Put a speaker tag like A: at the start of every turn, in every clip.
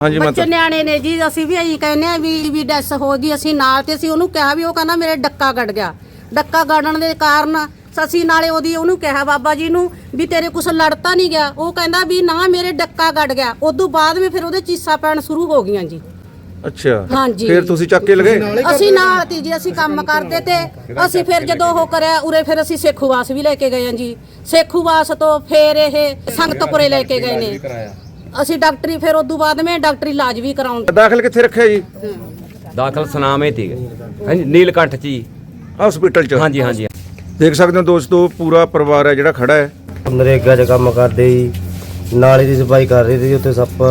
A: ਹਾਂਜੀ
B: ਬੱਚੇ ਨਿਆਣੇ ਨੇ ਜੀ। ਅਸੀਂ ਵੀ ਇਹੀ ਕਹਿੰਦੇ ਆ ਵੀ ਡੈਸ ਹੋ ਗਈ। ਅਸੀਂ ਨਾਲ ਤੇ ਅਸੀਂ ਉਹਨੂੰ ਕਿਹਾ ਵੀ ਉਹ ਕਹਿੰਦਾ ਮੇਰੇ ਡੱਕਾ ਗੜ ਗਿਆ। ਡੱਕਾ ਗੜਨ ਦੇ ਕਾਰਨ ਅਸੀਂ ਨਾਲੇ ਉਹਨੂੰ ਕਿਹਾ ਬਾਬਾ ਜੀ ਨੂੰ ਵੀ ਤੇਰੇ ਕੁਛ ਲੜਤਾ ਨਹੀਂ ਗਿਆ। ਉਹ ਕਹਿੰਦਾ ਵੀ ਨਾ ਮੇਰੇ ਡੱਕਾ ਗੜ ਗਿਆ। ਉਦੋਂ ਬਾਅਦ ਵੀ ਫਿਰ ਉਹਦੇ ਚੀਸਾਂ ਪੈਣ ਸ਼ੁਰੂ ਹੋ ਗਈਆਂ ਜੀ।
A: ਅੱਛਾ
B: ਹਾਂਜੀ
A: ਫਿਰ ਤੁਸੀਂ ਚੱਕ ਕੇ ਲਗੇ?
B: ਅਸੀਂ ਨਾਲ ਤੀ ਜੀ। ਅਸੀਂ ਕੰਮ ਕਰਦੇ ਤੇ ਅਸੀਂ ਫਿਰ ਜਦੋਂ ਉਹ ਕਰਿਆ ਉਰੇ ਫਿਰ ਅਸੀਂ ਸੇਖੂਵਾਸ ਵੀ ਲੈ ਕੇ ਗਏ ਹਾਂ ਜੀ। ਸੇਖੂਵਾਸ ਤੋਂ ਫਿਰ ਇਹ ਸੰਗਤਪੁਰੇ ਲੈ ਕੇ ਗਏ ਨੇ ਅਸੀਂ ਡਾਕਟਰੀ। ਫਿਰ ਉਦੋਂ ਬਾਅਦ ਮੈਂ ਡਾਕਟਰੀ ਇਲਾਜ ਵੀ ਕਰਾਉਣ।
A: ਦਾਖਲ ਕਿੱਥੇ ਰੱਖਿਆ ਜੀ?
C: ਦਾਖਲ ਸਨਾਮੇ ਤੀ ਹਾਂਜੀ ਨੀਲਕੰਠ ਜੀ
A: ਹਸਪੀਟਲ ਚ।
C: ਹਾਂਜੀ ਹਾਂਜੀ
A: ਦੇਖ ਸਕਦੇ ਹੋ ਦੋਸਤੋ ਪੂਰਾ ਪਰਿਵਾਰ ਹੈ ਜਿਹੜਾ ਖੜਾ ਹੈ।
D: ਨਰੇਗਾ 'ਚ ਕੰਮ ਕਰਦੇ ਜੀ। ਨਾਲੇ ਦੀ ਸਫਾਈ ਕਰ ਰਹੇ ਸੀ। ਉੱਥੇ ਸੱਪ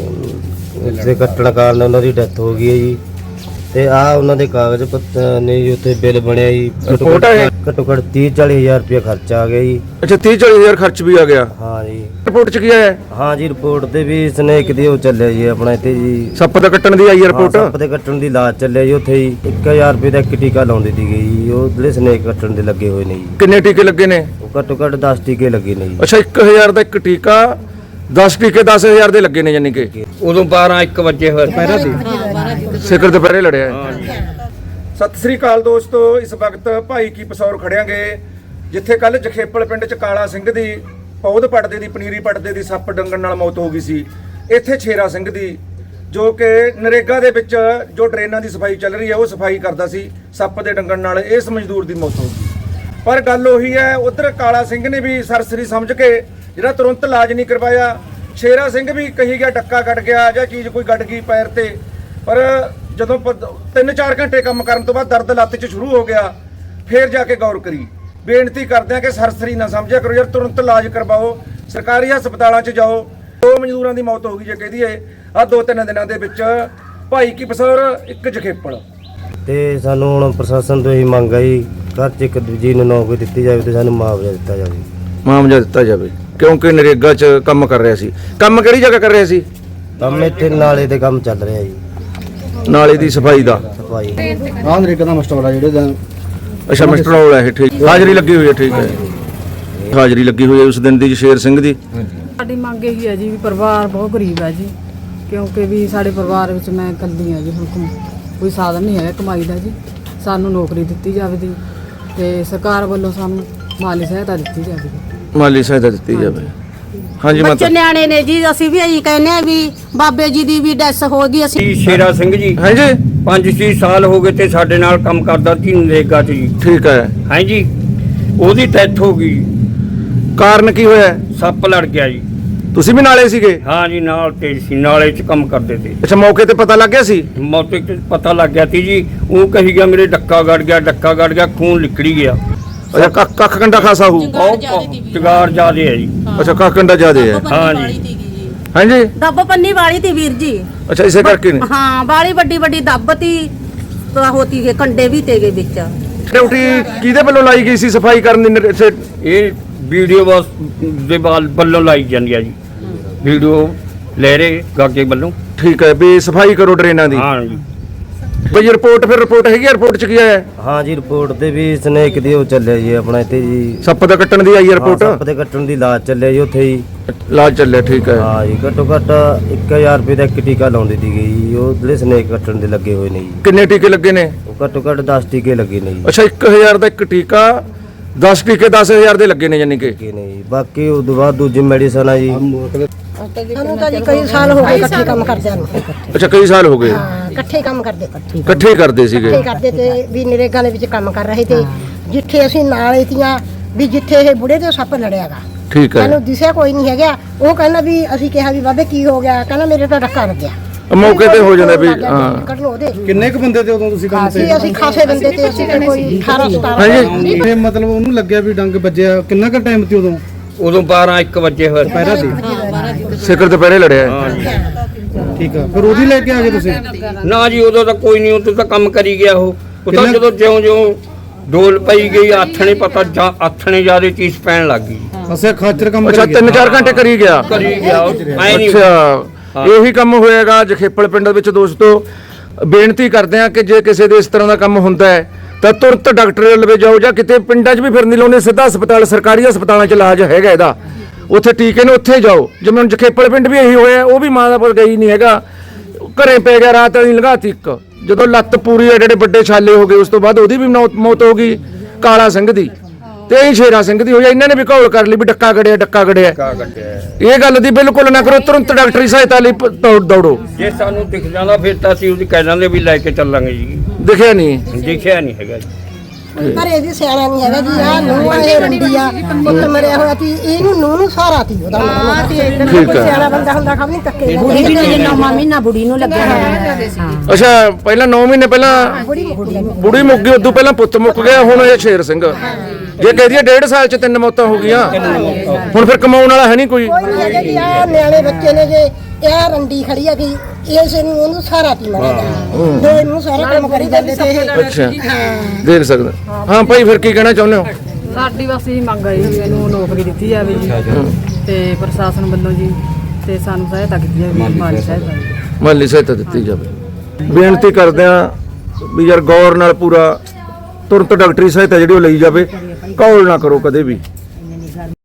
D: ਦੇ ਕੱਟਣ ਕਾਰਨ ਉਹਨਾਂ ਦੀ ਡੈਥ ਹੋ ਗਈ ਹੈ ਜੀ। ਤੇ ਆ ਉਹਨਾਂ ਦੇ ਕਾਗਜ਼ ਪੱਤਰ ਨੇ ਜੀ। ਉੱਥੇ ਬਿੱਲ ਬਣਿਆ ਜੀ। ਘੱਟੋ ਘੱਟ 30-40 ਹਜ਼ਾਰ ਰੁਪਏ ਖਰਚਾ ਆ ਗਿਆ ਜੀ।
A: ਅੱਛਾ 30-40 ਹਜ਼ਾਰ ਖਰਚ ਵੀ ਆ ਗਿਆ?
D: ਹਾਂ ਜੀ।
A: ਰਿਪੋਰਟ ਚ ਕੀ ਆਇਆ?
D: ਹਾਂ ਜੀ ਰਿਪੋਰਟ ਤੇ ਵੀ ਸਨੇਕ ਦੀ ਉਹ ਚੱਲਿਆ ਜੀ ਆਪਣਾ ਇੱਥੇ ਜੀ।
A: ਸੱਪ ਦਾ ਕੱਟਣ ਦੀ ਆਈ ਹੈ ਰਿਪੋਰਟ?
D: ਸੱਪ ਦੇ ਕੱਟਣ ਦੀ ਇਲਾਜ ਚੱਲਿਆ ਜੀ ਉੱਥੇ ਜੀ। 1000 ਰੁਪਏ ਦਾ ਇੱਕ ਟੀਕਾ ਲਾਉਂਦੀ ਸੀਗੀ ਜੀ। ਉਹ ਜਿਹੜੇ ਸਨੇਕ ਕੱਟਣ ਦੇ ਲੱਗੇ ਹੋਏ ਨੇ ਜੀ।
A: ਕਿੰਨੇ ਟੀਕੇ ਲੱਗੇ ਨੇ?
D: ਉਹ ਘੱਟੋ ਘੱਟ 10 ਟੀਕੇ ਲੱਗੇ ਨੇ ਜੀ।
A: ਅੱਛਾ 1000 ਦਾ ਇੱਕ ਟੀਕਾ, 10 ਟੀਕੇ 10000 ਦੇ ਲੱਗੇ ਨੇ। ਯਾਨੀ ਕਿ
C: ਉਦੋਂ 12-1 ਵਜੇ ਹੋਏ ਪਹਿਰਾ ਦੀ
A: ਸਿਖਰ ਦੁਪਹਿਰੇ ਲੜਿਆ ਹੈ। ਸਤਿ ਸ੍ਰੀ ਅਕਾਲ ਦੋਸਤੋ। ਇਸ ਵਕਤ ਭਾਈ ਕੀ ਪਸੌਰ ਖੜਿਆਂਗੇ ਜਿੱਥੇ ਕੱਲ ਜਖੇਪਲ ਪਿੰਡ ਚ ਕਾਲਾ ਸਿੰਘ ਦੀ ਪੌਦ ਪੜਦੇ ਦੀ ਪਨੀਰੀ ਪੜਦੇ ਦੀ ਸੱਪ ਡੰਗਣ ਨਾਲ ਮੌਤ ਹੋ ਗਈ ਸੀ। ਇੱਥੇ ਛੇਰਾ ਸਿੰਘ ਦੀ ਜੋ ਕਿ ਨਰੇਗਾ ਦੇ ਵਿੱਚ ਜੋ ਡਰੇਨਾਂ ਦੀ ਸਫਾਈ ਚੱਲ ਰਹੀ ਹੈ ਉਹ ਸਫਾਈ ਕਰਦਾ ਸੀ। ਸੱਪ ਦੇ ਡੰਗਣ ਨਾਲ ਇਸ ਮਜ਼ਦੂਰ ਦੀ ਮੌਤ ਹੋ ਗਈ। ਪਰ ਗੱਲ ਉਹੀ ਹੈ, ਉਧਰ ਕਾਲਾ ਸਿੰਘ ਨੇ ਵੀ ਸਰਸਰੀ ਸਮਝ ਕੇ ਜਿਹੜਾ ਤੁਰੰਤ ਇਲਾਜ ਨਹੀਂ ਕਰਵਾਇਆ। ਛੇਰਾ ਸਿੰਘ ਵੀ ਕਹੀ ਗਿਆ ਡੱਕਾ ਕੱਟ ਗਿਆ ਜਾਂ ਚੀਜ਼ ਕੋਈ ਗੱਡ ਗਈ ਪੈਰ ਤੇ। ਪਰ ਜਦੋਂ 3-4 ਘੰਟੇ ਕੰਮ ਕਰਨ ਤੋਂ ਬਾਅਦ ਦਰਦ ਲੱਤ 'ਚ ਸ਼ੁਰੂ ਹੋ ਗਿਆ। ਫੇਰ ਜਾ ਕੇ ਗੌਰ ਕਰੀ। ਬੇਨਤੀ ਕਰਦੇ ਆ ਕਿ ਸਰਸਰੀ ਨਾ ਸਮਝਿਆ ਕਰੋ ਯਾਰ, ਤੁਰੰਤ ਇਲਾਜ ਕਰਵਾਓ। ਸਰਕਾਰੀ ਹਸਪਤਾਲਾਂ 'ਚ ਜਾਓ। 2 ਮਜ਼ਦੂਰਾਂ ਦੀ ਮੌਤ ਹੋ ਗਈ ਜੇ ਕਹਦੀ ਏ ਆ 2-3 ਦਿਨਾਂ ਦੇ ਵਿੱਚ। ਭਾਈ ਕੀ ਪਸੌਰ ਇੱਕ ਜਖੇਪਲ।
D: ਤੇ ਸਾਨੂੰ ਹੁਣ ਪ੍ਰਸ਼ਾਸਨ ਤੋਂ ਇਹੀ ਮੰਗ ਹੈ ਜੀ, ਘਰ 'ਚ ਇੱਕ ਦੂਜੀ ਨੂੰ ਨੌਕਰੀ ਦਿੱਤੀ ਜਾਵੇ ਤੇ ਸਾਨੂੰ ਮੁਆਵਜ਼ਾ ਦਿੱਤਾ ਜਾਵੇ।
A: ਮੁਆਵਜ਼ਾ ਦਿੱਤਾ ਜਾਵੇ ਕਿਉਂਕਿ ਨਰੇਗਾ 'ਚ ਕੰਮ ਕਰ ਰਿਹਾ ਸੀ। ਕੰਮ ਕਿਹੜੀ ਜਗ੍ਹਾ ਕਰ ਰਿਹਾ ਸੀ?
D: ਕੰਮ ਇੱਥੇ ਨਾਲੇ ਤੇ ਕੰਮ ਚੱਲ ਰਿਹਾ ਜੀ।
A: ਨਾਲੇ ਦੀ ਸਫਾਈ ਦਾ
D: ਸਫਾਈ
E: ਆਹ ਨਰੇਗਾ ਦਾ ਮਸਟਰ ਵਾਲਾ ਜਿਹੜੇ
A: ਅੱਛਾ ਮਿਸਟਰ ਰੋਲ ਹੈ। ਠੀਕ ਹਾਜ਼ਰੀ ਲੱਗੀ ਹੋਈ ਹੈ। ਠੀਕ ਹੈ ਹਾਜ਼ਰੀ ਲੱਗੀ ਹੋਈ ਹੈ ਉਸ ਦਿਨ ਦੀ ਸ਼ੇਰ ਸਿੰਘ ਦੀ।
F: ਸਾਡੀ ਮੰਗ ਇਹੀ ਹੈ ਜੀ ਵੀ ਪਰਿਵਾਰ ਬਹੁਤ ਗਰੀਬ ਹੈ ਜੀ। ਕਿਉਂਕਿ ਵੀ ਸਾਡੇ ਪਰਿਵਾਰ ਵਿੱਚ ਮੈਂ ਇਕੱਲੀ ਹਾਂ ਜੀ। ਹੁਣ ਕੋਈ ਸਾਧਨ ਨਹੀਂ ਹੈ ਕਮਾਈ ਦਾ ਜੀ। ਸਾਨੂੰ ਨੌਕਰੀ ਦਿੱਤੀ ਜਾਵੇ ਦੀ ਤੇ ਸਰਕਾਰ ਵੱਲੋਂ ਸਾਨੂੰ ਮਾਲੀ ਸਹਾਇਤਾ ਦਿੱਤੀ ਜਾਵੇ।
A: ਮਾਲੀ ਸਹਾਇਤਾ ਦਿੱਤੀ ਜਾਵੇ। ਹਾਂਜੀ
B: ਬੱਚੇ ਨਿਆਣੇ ਨੇ ਜੀ। ਅਸੀਂ ਵੀ ਇਹੀ ਕਹਿੰਦੇ ਆ ਵੀ ਬਾਬੇ ਜੀ ਦੀ ਵੀ ਡੈਸ ਹੋ ਗਈ। ਅਸੀਂ
C: ਸ਼ੇਰਾ ਸਿੰਘ ਜੀ
A: ਹਾਂਜੀ
C: 5-6 ਸਾਲ ਹੋ ਗਏ ਤੇ ਸਾਡੇ ਨਾਲ ਕੰਮ ਕਰਦਾ ਸੀ ਨਰੇਗਾ 'ਚ ਜੀ।
A: ਠੀਕ ਹੈ।
C: ਹਾਂਜੀ ਉਹਦੀ ਡੈਥ ਹੋ ਗਈ।
A: ਕਾਰਨ ਕੀ ਹੋਇਆ?
C: ਸੱਪ ਲੜ ਗਿਆ ਜੀ।
A: ਤੁਸੀਂ ਵੀ ਨਾਲੇ ਸੀਗੇ?
C: ਹਾਂ ਜੀ ਨਾਲ ਤੇ ਸੀ, ਨਾਲੇ 'ਚ ਕੰਮ ਕਰਦੇ ਤੇ।
A: ਅੱਛਾ ਮੌਕੇ ਤੇ ਪਤਾ ਲੱਗ ਗਿਆ ਸੀ?
C: ਮੌਕੇ 'ਤੇ ਪਤਾ ਲੱਗ ਗਿਆ ਸੀ ਜੀ। ਉਹ ਕਹੀ ਗਿਆ ਮੇਰੇ ਡੱਕਾ ਗੜ ਗਿਆ, ਡੱਕਾ ਗੜ ਗਿਆ, ਖੂਨ ਨਿਕਲੀ ਗਿਆ।
A: ਅੱਛਾ ਕੱਖ ਕੰਡਾ ਖਾਸਾ ਹੋਊ?
C: ਚਗਾਰ ਜ਼ਿਆਦੇ ਹੈ ਜੀ।
A: ਅੱਛਾ ਕੱਖ ਕੰਡਾ ਜ਼ਿਆਦੇ ਹੈ।
C: ਹਾਂ ਜੀ
A: ਹਾਂਜੀ
B: ਦੱਬ ਪੰਨੀ ਵਾਲੀ ਤੀ ਵੀਰ ਜੀ।
A: ਅੱਛਾ ਇਸੇ ਕਰਕੇ ਨੇ?
B: ਹਾਂ ਬਾਲੀ ਵੱਡੀ ਦੱਬ ਤੀ ਹੋਤੀ ਗਏ ਕੰਡੇ ਵੀ ਤੇਗੇ ਵਿੱਚ।
A: ਡਿਊਟੀ ਕਿਹਦੇ ਵੱਲੋਂ ਲਾਈ ਗਈ ਸੀ ਸਫਾਈ ਕਰਨ ਦੀ?
C: ਇਹ ਵੀਡੀਓ ਬਸ ਦੇ ਵੱਲੋਂ ਲਾਈ ਜਾਂਦੀ ਆ ਜੀ। ਵੀਡੀਓ ਲੈ ਰਹੇ ਗਾਗੇ ਵੱਲੋਂ।
A: ਠੀਕ ਹੈ ਵੀ ਸਫਾਈ ਕਰੋ ਡਰੇਨਾਂ ਦੀ।
C: ਹਾਂ ਜੀ
A: ਬਈ ਰਿਪੋਰਟ ਫਿਰ ਰਿਪੋਰਟ ਹੈਗੀ? ਰਿਪੋਰਟ ਚ ਕੀ ਆਇਆ?
D: ਹਾਂ ਜੀ ਰਿਪੋਰਟ ਤੇ ਵੀ ਸਨੇਕ ਦੀ ਉਹ ਚੱਲਿਆ ਜੀ ਆਪਣਾ ਇੱਥੇ ਜੀ।
A: ਸੱਪ ਦਾ ਕੱਟਣ ਦੀ ਆਈ ਹੈ ਰਿਪੋਰਟ?
D: ਸੱਪ ਦੇ ਕੱਟਣ ਦੀ ਇਲਾਜ ਚੱਲਿਆ ਜੀ ਉੱਥੇ ਜੀ।
A: ਇਲਾਜ ਚੱਲਿਆ। ਠੀਕ ਹੈ।
D: ਹਾਂ ਜੀ ਘੱਟੋ ਘੱਟ 1000 ਰੁਪਏ ਦਾ ਇੱਕ ਟੀਕਾ ਲਾਉਂਦੀ ਸੀਗੀ ਜੀ। ਉਹ ਜਿਹੜੇ ਸਨੇਕ ਕੱਟਣ ਦੇ ਲੱਗੇ ਹੋਏ ਨੇ ਜੀ।
A: ਕਿੰਨੇ ਟੀਕੇ ਲੱਗੇ ਨੇ?
D: ਉਹ ਘੱਟੋ ਘੱਟ 10 ਟੀਕੇ ਲੱਗੇ ਨੇ ਜੀ।
A: ਅੱਛਾ 1000 ਦਾ ਇੱਕ ਟੀਕਾ, 10 ਟੀਕੇ 10000 ਦੇ ਲੱਗੇ ਨੇ ਯਾਨੀ ਕਿ।
D: ਨੇ ਜੀ ਬਾਕੀ ਉਸ ਤੋਂ ਬਾਅਦ ਦੂਜੀ ਮੈਡੀਸਨ ਆ ਜੀ।
G: ਸਾਨੂੰ ਤਾਂ ਜੀ ਕਈ ਸਾਲ ਹੋ ਗਏ ਇਕੱਠੇ ਕੰਮ ਕਰਦਿਆਂ ਨੂੰ।
A: ਅੱਛਾ ਕਈ ਸਾਲ ਹੋ ਗਏ
G: ਇਕੱਠੇ ਕੰਮ ਕਰਦੇ
A: ਇਕੱਠੇ ਹੀ ਕਰਦੇ ਸੀਗੇ?
G: ਇਕੱਠੇ ਕਰਦੇ ਤੇ ਵੀ ਨਰੇਗਾ ਦੇ ਵਿੱਚ ਕੰਮ ਕਰ ਰਹੇ ਤੇ ਜਿੱਥੇ ਅਸੀਂ ਨਾਲ ਤੀਆਂ ਵੀ ਜਿੱਥੇ ਇਹ ਬੁੜੇ ਤੇ ਸੱਪ ਲੜਿਆਗਾ।
A: ਠੀਕ ਹੈ।
G: ਸਾਨੂੰ ਦਿਸਿਆ ਕੋਈ ਨਹੀਂ ਹੈਗਾ। ਉਹ ਕਹਿੰਦਾ ਵੀ ਅਸੀਂ ਕਿਹਾ ਵੀ ਬਾਬੇ ਕੀ ਹੋ ਗਿਆ? ਕਹਿੰਦਾ ਮੇਰੇ ਤਾਂ ਡੱਕਾ ਲੱਗਿਆ।
A: ਮੌਕੇ ਤੇ ਹੋ ਜਾਂਦਾ ਵੀ ਹਾਂ।
G: ਕੱਢਣ ਉਹਦੇ
E: ਕਿੰਨੇ ਕੁ ਬੰਦੇ ਤੇ ਉਦੋਂ ਤੁਸੀਂ ਕੰਮ ਤੇ?
G: ਅਸੀਂ ਖਾਸੇ ਬੰਦੇ ਤੇ ਅਸੀਂ ਤੇ ਕੋਈ 18-17
A: ਹਾਂਜੀ
E: ਇਹ ਮਤਲਬ ਉਹਨੂੰ ਲੱਗਿਆ ਵੀ ਡੰਗ ਵੱਜਿਆ ਕਿੰਨਾ ਕੁ ਟਾਈਮ ਤੇ ਉਦੋਂ?
C: ਉਦੋਂ 12-1 ਵਜੇ ਹੋਏ
E: ਪਹਿਰਾ ਦੀ
A: ਸਿਖਰ ਦੁਪਹਿਰੇ ਲੜਿਆ।
E: ਠੀਕ ਆ। ਫਿਰ ਉਹਦੀ ਲੈ ਕੇ ਆ ਗਏ ਤੁਸੀਂ?
C: ਨਾ ਜੀ ਉਦੋਂ ਤਾਂ ਕੋਈ ਨਹੀਂ। ਉਦੋਂ ਤਾਂ ਕੰਮ ਕਰੀ ਗਿਆ ਉਹ ਤਾਂ ਜਦੋਂ ਜਿਉਂ ਡੋਲ ਪਈ ਗਈ ਆਥਣੇ ਪਤਾ ਆਥਣੇ ਜਿਆਦੇ ਚੀਜ਼ ਪੈਣ ਲੱਗ ਗਈ।
E: ਅਸੇ ਖਾਚਰ ਕੰਮ
A: ਅੱਛਾ 3-4 ਘੰਟੇ ਕਰੀ ਗਿਆ?
C: ਕਰੀ ਗਿਆ ਐ ਨਹੀਂ।
A: ਅੱਛਾ ਇਹੀ ਕੰਮ ਹੋਏਗਾ ਜਖੇਪਲ ਪਿੰਡ ਵਿੱਚ। ਦੋਸਤੋ ਬੇਨਤੀ ਕਰਦੇ ਆ ਕਿ ਜੇ ਕਿਸੇ ਦੇ ਇਸ ਤਰ੍ਹਾਂ ਦਾ ਕੰਮ ਹੁੰਦਾ ਹੈ ਤਾਂ ਤੁਰੰਤ ਡਾਕਟਰ ਲਵੇ ਜਾਓ ਜਾਂ ਕਿਤੇ ਪਿੰਡਾਂ 'ਚ ਵੀ ਫਿਰ ਨਹੀਂ ਲਾਉਂਦੇ। ਸਿੱਧਾ ਹਸਪਤਾਲ ਸਰਕਾਰੀ ਹਸਪਤਾਲਾਂ 'ਚ ਇਲਾਜ ਹੈਗਾ ਇਹਦਾ। ਉੱਥੇ ਟੀਕੇ ਨੇ ਉੱਥੇ ਜਾਓ। ਜਿਵੇਂ ਹੁਣ ਜਖੇਪਲ ਪਿੰਡ ਵੀ ਇਹੀ ਹੋਇਆ। ਉਹ ਵੀ ਮਾਂ ਦਾ ਪੁੱਤ ਗਈ ਨਹੀਂ ਹੈਗਾ ਘਰੇ ਪੈ ਗਿਆ, ਰਾਤ ਵਾਲੀ ਲੰਘਾਤੀ ਇੱਕ। ਜਦੋਂ ਲੱਤ ਪੂਰੀ ਐਡੇ ਵੱਡੇ ਛਾਲੇ ਹੋ ਗਏ, ਉਸ ਤੋਂ ਬਾਅਦ ਉਹਦੀ ਵੀ ਮੌਤ ਹੋ ਗਈ ਕਾਲਾ ਸਿੰਘ ਦੀ, ਤੇ ਇਹ ਸ਼ੇਰਾ ਸਿੰਘ ਦੀ ਹੋਈ। ਇਹਨਾਂ ਨੇ ਵੀ ਘੋਲ ਕਰ ਲਈ ਵੀ ਡੱਕਾ ਗੜਿਆ, ਡੱਕਾ ਗੜਿਆ। ਇਹ ਗੱਲ ਦੀ ਬਿਲਕੁਲ ਨਾ ਕਰੋ, ਤੁਰੰਤ ਡਾਕਟਰੀ ਸਹਾਇਤਾ ਲਈ ਦੌੜੋ।
C: ਜੇ ਸਾਨੂੰ ਦਿਖ ਜਾਂਦਾ ਫਿਰ ਤਾਂ ਅਸੀਂ ਉਹਦੀ ਕਹਿ ਦਿੰਦੇ ਵੀ ਲੈ ਕੇ ਚੱਲਾਂਗੇ ਜੀ।
A: ਦਿਖਿਆ ਨਹੀਂ,
C: ਦਿਖਿਆ ਨਹੀਂ ਹੈਗਾ ਜੀ।
G: ਘਰੇ ਵੀ ਸਿਆਣਾ ਨਹੀਂ ਹੈਗਾ ਜੀ। ਆ ਨੂੰਹ ਇਹ ਰੰਡੀ ਆ, ਪੁੱਤ ਮਰਿਆ ਹੋਇਆ ਸੀ, ਇਹਨੂੰ ਨੂੰਹ ਨੂੰ ਸਹਾਰਾ ਸੀ ਉਹਦਾ।
A: ਠੀਕ
G: ਕੋਈ
A: ਆ।
G: ਸਿਆਣਾ ਬੰਦਾ ਹੁੰਦਾ ਖਬਰ ਨਹੀਂ ਧੱਕੇ ਨਾਲ।
B: ਬੁੜੀ ਨੂੰ ਜੇ 9ਵਾਂ ਮਹੀਨਾ ਬੁੜੀ ਨੂੰ ਲੱਗਿਆ ਹੋਇਆ।
A: ਅੱਛਾ, ਪਹਿਲਾਂ 9 ਮਹੀਨੇ ਪਹਿਲਾਂ ਬੁੜੀ ਮੁੱਕ ਗਈ, ਉਦੋਂ ਪਹਿਲਾਂ ਪੁੱਤ ਮੁੱਕ ਗਿਆ, ਹੁਣ ਇਹ ਸ਼ੇਰ ਸਿੰਘ। ਜੇ ਕਹਿ ਦਈਏ 1.5 ਸਾਲ ਚ 3 ਮੌਤਾਂ ਹੋ ਗਈਆਂ, ਹੁਣ ਫਿਰ ਕਮਾਉਣ ਵਾਲਾ ਹੈ ਨਹੀਂ ਕੋਈ।
G: ਕੋਈ ਨਹੀਂ ਹੈਗਾ ਜੀ। ਆ ਨਿਆਣੇ ਬੱਚੇ ਨੇ ਜੇ ਇਹ ਰੰਡੀ ਖੜੀ ਆ ਕਿ ਇਸ ਨੂੰ ਉਹਨੂੰ ਸਹਾਰਾ ਤੀ ਮਰਿਆ ਦੋ ਇਹਨੂੰ ਸਾਰਾ ਕੰਮ ਕਰੀ ਜਾਂਦੇ ਤੇ ਇਹ।
A: ਅੱਛਾ, ਦੇਖ ਸਕਦਾ। ਹਾਂ ਭਾਈ, ਫਿਰ ਕੀ ਕਹਿਣਾ ਚਾਹੁੰਦੇ ਹੋ?
F: ਸਾਡੀ ਬਸ ਇਹ ਮੰਗ ਹੈ ਜੀ, ਇਹਨੂੰ ਨੌਕਰੀ ਦਿੱਤੀ ਜਾਵੇ ਜੀ, ਤੇ ਪ੍ਰਸ਼ਾਸਨ ਵੱਲੋਂ ਜੀ, ਤੇ ਸਾਨੂੰ ਸਹਾਇਤਾ ਕੀਤੀ ਜਾਵੇ, ਮਾਲੀ ਸਹਾਇਤਾ ਜੀ।
A: ਮਾਲੀ ਸਹਾਇਤਾ ਦਿੱਤੀ ਜਾਵੇ। ਬੇਨਤੀ ਕਰਦੇ ਆ ਵੀ ਯਾਰ ਗੌਰ ਨਾਲ ਪੂਰਾ ਤੁਰੰਤ ਡਾਕਟਰੀ ਸਹਾਇਤਾ ਜਿਹੜੀ ਉਹ ਲਈ ਜਾਵੇ, ਘੋਲ ਨਾ ਕਰੋ ਕਦੇ ਵੀ।